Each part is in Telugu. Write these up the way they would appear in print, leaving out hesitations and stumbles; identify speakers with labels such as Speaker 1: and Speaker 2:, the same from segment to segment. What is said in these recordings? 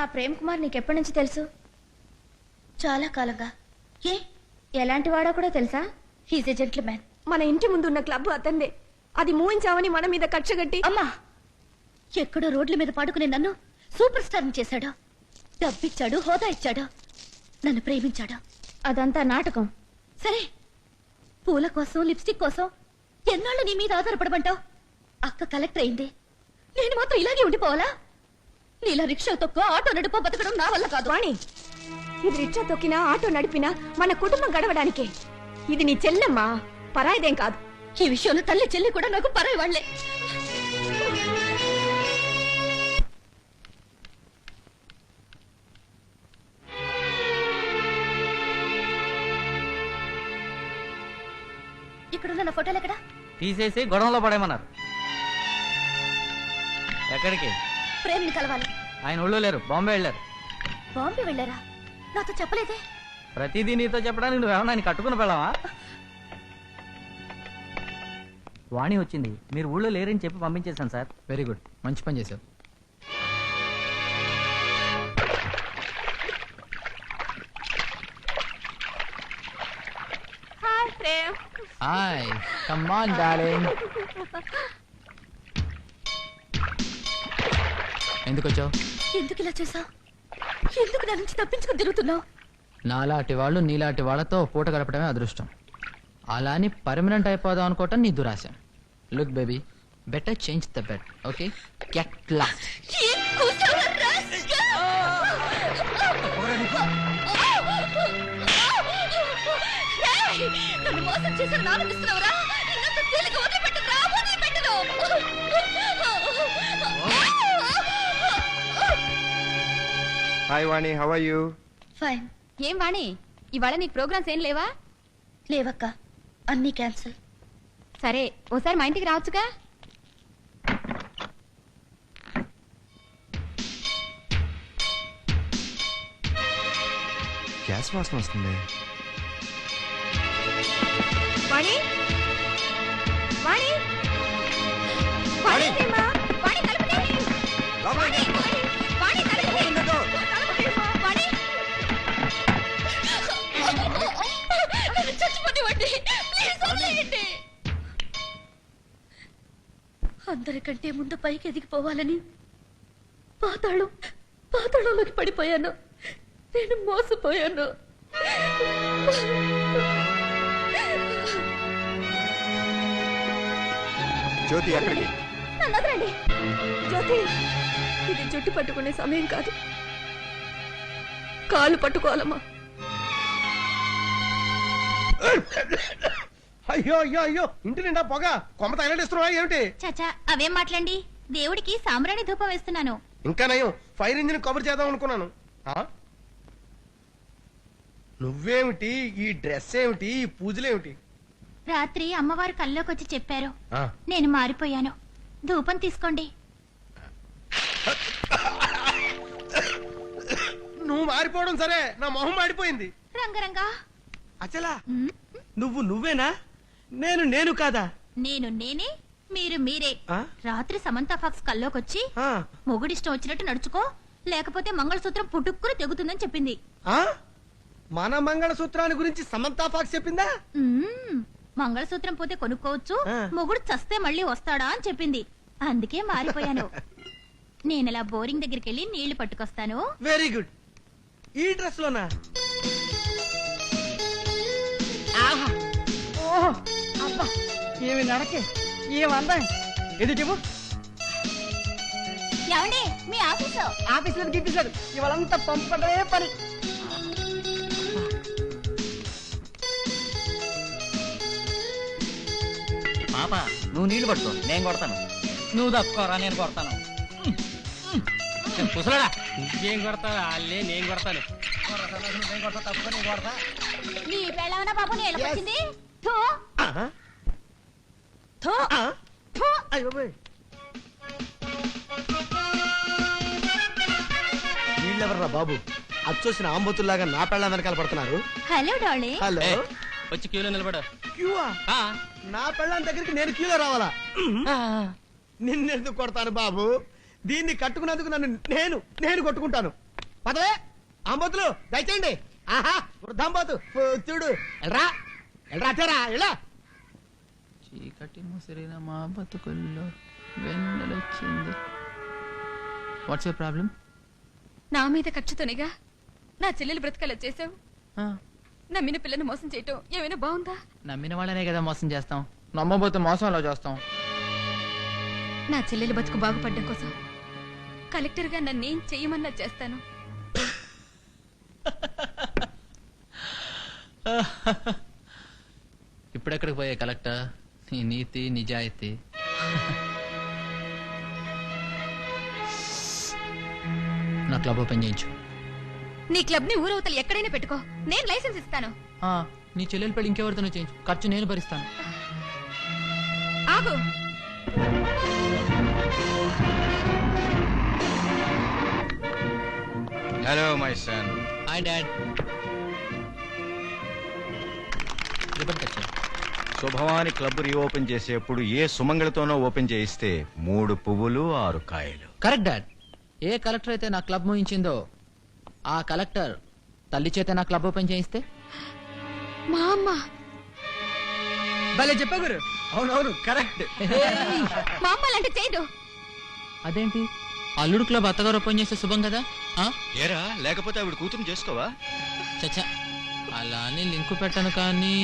Speaker 1: ప్రేమ్ కుమార్ నీకెప్పటి నుంచి తెలుసు?
Speaker 2: చాలా కాలంగా. ఏ
Speaker 1: ఎలాంటి వాడో కూడా తెలుసా?
Speaker 2: He's a gentleman.
Speaker 3: మన ఇంటి ముందు ఉన్న క్లబ్ అతందే. అది మూయించామని మన మీద కక్షగట్టి
Speaker 2: అమ్మా, ఎక్కడో రోడ్ల మీద పడుకునే నన్ను సూపర్ స్టార్ చేశాడు. డబ్బిచ్చాడు, హోదా ఇచ్చాడు, నన్ను ప్రేమించాడు.
Speaker 1: అదంతా నాటకం.
Speaker 2: సరే, పూల కోసం, లిప్స్టిక్ కోసం ఎన్నాళ్ళు నీ మీద ఆధారపడమంటావు? అక్క కలెక్టర్ అయింది, నేను మాత్రం ఇలాగే ఉండిపోవాలా? నీలా రిక్షా తొక్కో, ఆటో నడుపో బతకడం నా వల్ల కాదు.
Speaker 3: వాణి, ఇది రిక్షా తొక్కినా ఆటో నడిపినా మన కుటుంబం గడవడానికే. ఇది నీ చెల్లెమ్మా, పరాయిదేం కాదు.
Speaker 2: ఈ విషయంలో తల్లి చెల్లి కూడా నాకు పరాయి వాళ్లే. ఇక్కడున్న నా ఫోటోలు ఎక్కడా?
Speaker 4: తీసేసి గొడవలో పడేమన్నారు. ఎక్కడికి?
Speaker 2: ప్రేమిని కలవాలి.
Speaker 4: ఆయన ఊళ్ళో లేరు, బాంబే వెళ్ళారు.
Speaker 2: బాంబే వెళ్ళారా? నాతో చెప్పలేదే.
Speaker 4: ప్రతిదీ నీతో చెప్పడానికి నువ్వేమన్నా ఆయన కట్టుకుని పెళ్ళావా? వాణి వచ్చింది, మీరు ఊళ్ళో లేరని చెప్పి పంపించేశాను సార్.
Speaker 5: వెరీ గుడ్, మంచి పని చేశావు.
Speaker 3: Hi Prem.
Speaker 5: Hi, come on darling. ఎందుకు వచ్చావు?
Speaker 2: ఎందుకు ఇలా చేసావు? ఎందుకు నా నుంచి తప్పించుకుని తిరుగుతున్నావు?
Speaker 5: నాలాంటి వాళ్ళు నీలాంటి వాళ్ళతో పూట గడపడమే అదృష్టం. అలా అని పర్మనెంట్ అయిపోదాం అనుకోవటం నీ దురాశ. Look baby, better change the bed, okay? Get lost.
Speaker 2: నన్ను మోసం చేశాను, ఆనందిస్తున్నావురా? ఇంత తేలిక వదిలిపెట్టనురా, వదిలిపెట్టను.
Speaker 6: Hi Vani, how are you?
Speaker 2: Fine.
Speaker 1: ఏం వాణి, ఇవాళ నీకు ప్రోగ్రామ్స్ ఏం లేవా?
Speaker 2: లేవక్క, అన్నీ క్యాన్సిల్.
Speaker 1: సరే, ఓసారి మా ఇంటికి రావచ్చుగా.
Speaker 6: గ్యాస్ వాసన వస్తుంది.
Speaker 3: వాణి, వాణి, వాణి ప్రేమా, వాణి తలుపు తీయి. వాణి, వాణి తలుపు తీయి. తలుపు తీయమ్మా. వాణి,
Speaker 2: నన్ను చచ్చిపోనివ్వండి, ప్లీజ్ వదిలేయండి. అందరికంటే ముందు పైకి ఎదిగిపోవాలని పాతాళంలోకి పడిపోయాను. నేను మోసపోయాను.
Speaker 6: జ్యోతి ఎక్కడికి?
Speaker 2: నన్ను వదలండి.
Speaker 3: జ్యోతి, ఇది జుట్టు పట్టుకునే సమయం కాదు, కాళ్ళు పట్టుకోవాలమ్మా.
Speaker 7: అయ్యో అయ్యో అయ్యో, ఇంటి నిండా పొగ, కొమ్మ తగలడిస్తున్నావా ఏమిటి?
Speaker 1: చాచా, అవేం మాట్లాడండి. దేవుడికి సాంబ్రాణి ధూపం వేస్తున్నాను.
Speaker 7: ఇంకా నయం, ఫైర్ ఇంజిన్ కవర్ చేద్దాం అనుకున్నాను. నువ్వేమిటి, ఈ డ్రెస్ ఏమిటి, ఈ పూజలేమిటి?
Speaker 1: రాత్రి అమ్మవారు కల్లోకి వచ్చి చెప్పారు, నేను మారిపోయాను, ధూపం తీసుకోండి.
Speaker 7: నువ్వు మారిపోవడం సరే, నా మొహం మాడిపోయింది.
Speaker 1: రంగరంగా,
Speaker 7: అచలా, నువ్వేనా? నేను కాదా?
Speaker 1: నేను నేనే, మీరు మీరే.
Speaker 7: ఆ?
Speaker 1: రాత్రి సమంత ఫాక్స్ కల్లోకొచ్చి మొగుడిష్టం వచ్చినట్టు నడుచుకో, లేకపోతే మంగళసూత్రం పుట్టుక్కుని తెగుతుందని చెప్పింది.
Speaker 7: మన మంగళసూత్రాన్ని గురించి సమంతా ఫాక్స్ చెప్పిందా?
Speaker 1: మంగళసూత్రం పోతే కొనుక్కోవచ్చు,
Speaker 7: ఆ.
Speaker 1: మొగుడు చస్తే మళ్ళీ వస్తాడా అని చెప్పింది. అందుకే మారిపోయాను. నేనలా బోరింగ్ దగ్గరికి వెళ్ళి నీళ్లు పట్టుకొస్తాను.
Speaker 7: Very good. ఈ డ్రెస్ లోనా?
Speaker 4: అబ్బా, ఏమి నడకే, ఏమందా ఎదు చెప్పు.
Speaker 1: ఏమండి, మీ ఆఫీసు
Speaker 4: ఆఫీస్ లేదు, గిఫీస్ లేదు, ఇవాళంతా పంపడమే పని. పాప, నువ్వు నీళ్లు పట్టుకో, నేను కొడతాను. నువ్వు తప్పుకోరా, నేను కొడతాను. కుసలడా, ఇంకేం కొడతావు? అల్లే నేను కొడతాను. తప్పుకో, నేను కొడతా.
Speaker 1: నీ పెళ్ళవనా బాబు నేలకొచ్చింది.
Speaker 7: వీళ్ళెవర్రా బాబు, అచ్చొచ్చిన ఆంబోతుల్లాగా నా పెళ్ళ వెనకాల పడుతున్నారు?
Speaker 1: Hello Darley.
Speaker 7: హలో,
Speaker 4: వచ్చి క్యూలో నిలబడు.
Speaker 7: క్యూవా? నా పెళ్ళాం దగ్గరికి నేను క్యూలో రావాలా? నిన్నెందుకు కొడతాను బాబు? దీన్ని కట్టుకున్నందుకు నన్ను నేను కొట్టుకుంటాను. పదవే ఆంబోతులు దయచేయండి. ఆహా వృద్ధాంబోతు చూడు. ఎల్రా ఎల్రా అచ్చారా ఎలా
Speaker 5: చీకటి ముసిరిన మా బతుకుల్లో వెన్నెలొచ్చింది. What's your problem?
Speaker 2: నా మీద ఖర్చుతోనేగా నా చెల్లెలు బ్రతకలా చేసావు. నమ్మిన పిల్లని మోసం చేయటం ఏమైనా బాగుందా?
Speaker 5: నమ్మిన వాళ్ళనే కదా మోసం చేస్తాం. నమ్మబోతే మోసం అలా చేస్తాం.
Speaker 2: నా చెల్లెలు బతుకు బాగుపడ్డం కోసం కలెక్టర్గా నన్నేం చెయ్యమన్నా చేస్తాను.
Speaker 5: ఇప్పుడెక్కడికి పోయే కలెక్టర్? నీ నీతి నిజాయితీ. నా క్లబ్ ఓపెన్ చేయించు.
Speaker 2: నీ క్లబ్ ని ఊరవతలు ఎక్కడైనా పెట్టుకో, నేను లైసెన్స్ ఇస్తాను.
Speaker 5: నీ చెల్లెలు పెళ్లి ఇంకెవరితోనో చేయించు, ఖర్చు నేను భరిస్తాను.
Speaker 2: ఆగు.
Speaker 6: Hello my son.
Speaker 5: Hi dad.
Speaker 6: Shubhavani club reopen చేసేప్పుడు ఏ సుమంగళతోనో ఓపెన్ చేయిస్తే 3 పువ్వులు 6 కాయలు.
Speaker 5: Correct dad. ఏ కలెక్టర్ అయితే నా క్లబ్ మూయించిందో ఆ కలెక్టర్ తల్లి చేత నా క్లబ్ ఓపెన్ చేయిస్తే
Speaker 2: మా అమ్మ.
Speaker 7: భలే చెప్పా గురు. అవునవును కరెక్ట్.
Speaker 2: మా అమ్మ లాంటి చేయదు.
Speaker 5: అదేంటి అల్లుడు క్లబ్ అత్తగారు ఓపెన్ చేస్తే శుభం కదా?
Speaker 6: ఏరా లేకపోతే ఆవిడ కూతురు చేసుకోవా?
Speaker 5: చచ్చా అలా అని లింకు పెట్టను కానీ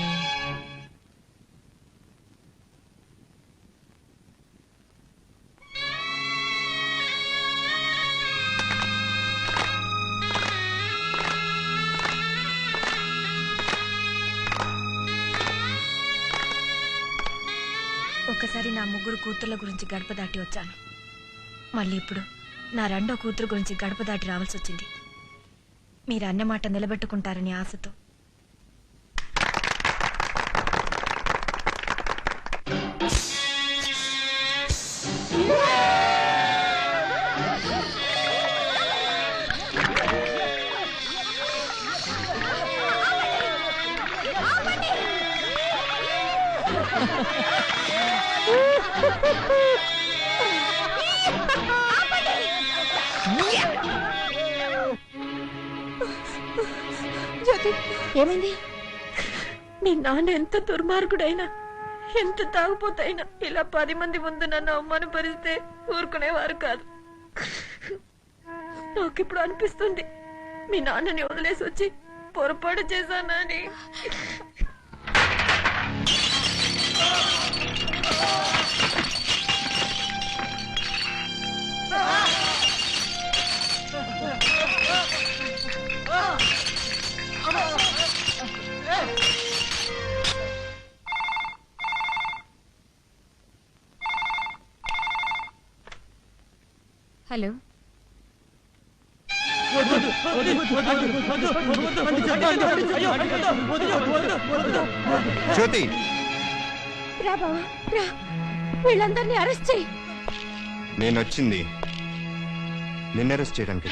Speaker 3: ఒకసారి నా 3 కూతుర్ల గురించి గడప దాటి వచ్చాను. మళ్ళీ ఇప్పుడు నా 2వ కూతురు గురించి గడప దాటి రావాల్సి వచ్చింది. మీరు అన్నమాట నిలబెట్టుకుంటారని ఆశతో. జ్యోతి ఏమైంది? మీ నాన్న ఎంత దుర్మార్గుడైనా, ఎంత తాగుపోతైనా ఇలా 10 మంది ముందు నన్ను అవమానపరిస్తే ఊరుకునేవారు కాదు. నాకిప్పుడు అనిపిస్తుంది మీ నాన్నని వదిలేసి వచ్చి పొరపాటు చేశానని.
Speaker 2: హలో.
Speaker 6: జ్యోతి
Speaker 3: రా బావా రా, వీళ్ళందరినీ అరెస్ట్ చేయి.
Speaker 6: నేను వచ్చింది నిన్ను అరెస్ట్ చేయడానికి.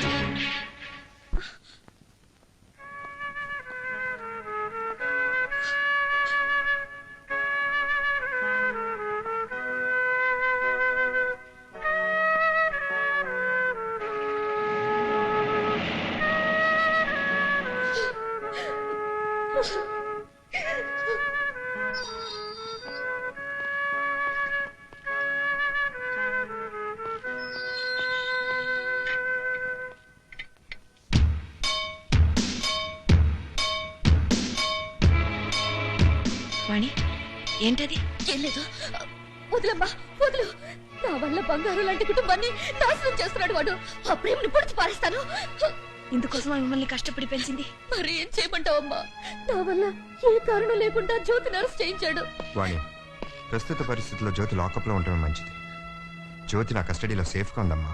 Speaker 3: వాణి ఏంటది?
Speaker 2: ఏం లేదు, వదిలమ్మా వదులు. నా వల్ల బంగారు లాంటి కుటుంబాన్ని నాశనం చేస్తున్నాడు వాడు. ఆ ప్రేమను పొడిచి పారేస్తాను.
Speaker 3: ఇందుకోసం మిమ్మల్ని కష్టపడి పెంచింది.
Speaker 2: మరి ఏం చేయమంటావమ్మా? నా వల్ల ఏ కారణం లేకుండా జ్యోతిని అరెస్ట్ చేయించాడు.
Speaker 6: వాణి ప్రస్తుత పరిస్థితుల్లో జ్యోతి లాకప్ లో ఉండటం మంచిది. జ్యోతి నా కస్టడీలో సేఫ్ గా ఉందమ్మా.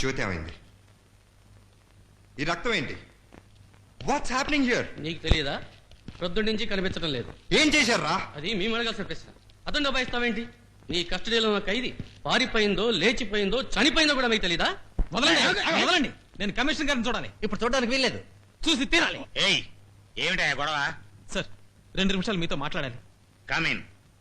Speaker 8: జ్యోతి ఏమైంది? ఈ రక్తం ఏంటి? What's happening here?
Speaker 4: నీకు తెలియదా? ప్రొద్దుడి నుంచి కనిపించడం లేదు.
Speaker 8: ఏం చేశారా?
Speaker 4: అది మేము అడగాల్సిన ప్రశ్న. అతను దబాయిస్తావేంటి? నీ కస్టడీలో ఉన్న ఖైదీ పారిపోయిందో, లేచిపోయిందో, చనిపోయిందో కూడా మీకు తెలీదా?
Speaker 7: వదలండి. నేను కమిషనర్ గారిని చూడాలి. ఇప్పుడు చూడడానికి వీల్లేదు. చూసి తీరాలి.
Speaker 9: ఏయ్, ఏమిటా గొడవ?
Speaker 7: సార్ 2 నిమిషాలు మీతో మాట్లాడాలి.
Speaker 9: కమిన్.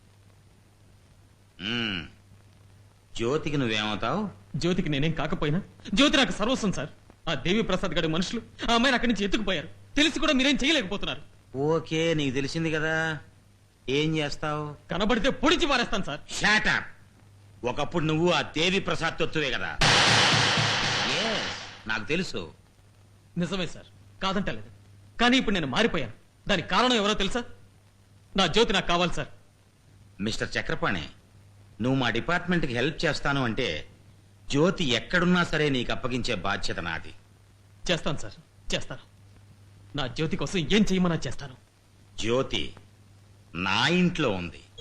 Speaker 9: జ్యోతికి నువ్వేమవుతావు?
Speaker 7: జ్యోతికి నేనేం కాకపోయినా జ్యోతి నాకు సర్వస్వం సార్. ఆ దేవి ప్రసాద్ గారి మనుషులు ఆ అమ్మాయిని అక్కడి నుంచి ఎత్తుకుపోయారు. తెలిసి కూడా మీరేం చేయలేకపోతున్నారు.
Speaker 9: ఓకే, నీకు తెలిసింది కదా. ఏం చేస్తావు?
Speaker 7: కనబడితే పొడిచి పారేస్తాను సార్.
Speaker 9: షాటప్. ఒకప్పుడు నువ్వు ఆ దేవి ప్రసాద్ తొత్తువే కదా. Yes, నాకు తెలుసు.
Speaker 7: నిజమే సార్, కాదంటలేదు. కానీ ఇప్పుడు నేను మారిపోయాను. దానికి కారణం ఎవరో తెలుసా? నా జ్యోతి నాకు కావాలి సార్.
Speaker 9: మిస్టర్ చక్రపాణి, నువ్వు మా డిపార్ట్మెంట్కి హెల్ప్ చేస్తాను అంటే జ్యోతి ఎక్కడున్నా సరే నీకు అప్పగించే బాధ్యత నాది.
Speaker 7: చేస్తాను సార్, చేస్తాను. నా జ్యోతి కోసం ఏం చేయమన్నా చేస్తాను.
Speaker 9: జ్యోతి నా ఇంట్లో ఉంది.